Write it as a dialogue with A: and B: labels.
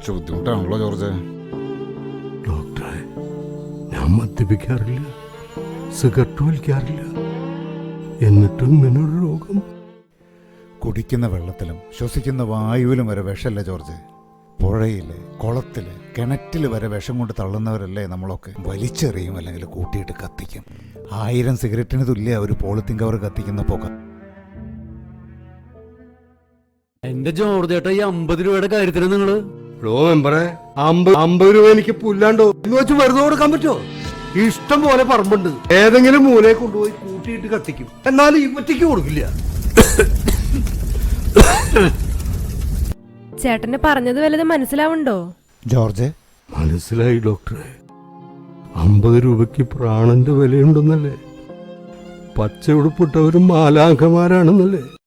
A: കുറച്ച് ബുദ്ധിമുട്ടാണല്ലോ ജോർജ്.
B: ഡോക്ടറെ, ഞാൻ മദ്യപിക്കാറില്ല, സിഗരറ്റ് വലിക്കാറില്ല, എന്നിട്ടും ഇങ്ങനൊരു രോഗം.
A: കുടിക്കുന്ന വെള്ളത്തിലും ശ്വസിക്കുന്ന വായുവിലും വരെ വിഷമല്ലേ ജോർജ്? പുഴയില്, കുളത്തില്, കിണറ്റിൽ വരെ വിഷം കൊണ്ട് തള്ളുന്നവരല്ലേ നമ്മളൊക്കെ. വലിച്ചെറിയും, അല്ലെങ്കിൽ കൂട്ടിയിട്ട് കത്തിക്കും. 1000 സിഗരറ്റിന് തുല്യ ഒരു പോളിത്തീൻ കവർ കത്തിക്കുന്ന പുക.
C: എന്റെ ജോർജ് ചേട്ടാ, ഈ 50 രൂപയുടെ കാര്യത്തിന് നിങ്ങള്
B: മെമ്പറെ, 50 രൂപ എനിക്ക് പുല്ലാണ്ടോ എന്ന് വെച്ച് വെറുതെ കൊടുക്കാൻ പറ്റുമോ? ഇഷ്ടം പോലെ പറമ്പുണ്ട്, ഏതെങ്കിലും മൂലയെ കൊണ്ടുപോയി കൂട്ടിയിട്ട് കത്തിക്കും. എന്നാലും ഇവറ്റയ്ക്ക് കൊടുക്കില്ല.
D: ചേട്ടന് പറഞ്ഞത് വല്ലതും മനസ്സിലാവുണ്ടോ
A: ജോർജ്?
B: മനസ്സിലായി ഡോക്ടറെ. 50 രൂപയ്ക്ക് പ്രാണന്റെ വിലയുണ്ടെന്നല്ലേ? പച്ച ഉടുപ്പിട്ടവരും മാലാഖമാരാണെന്നല്ലേ?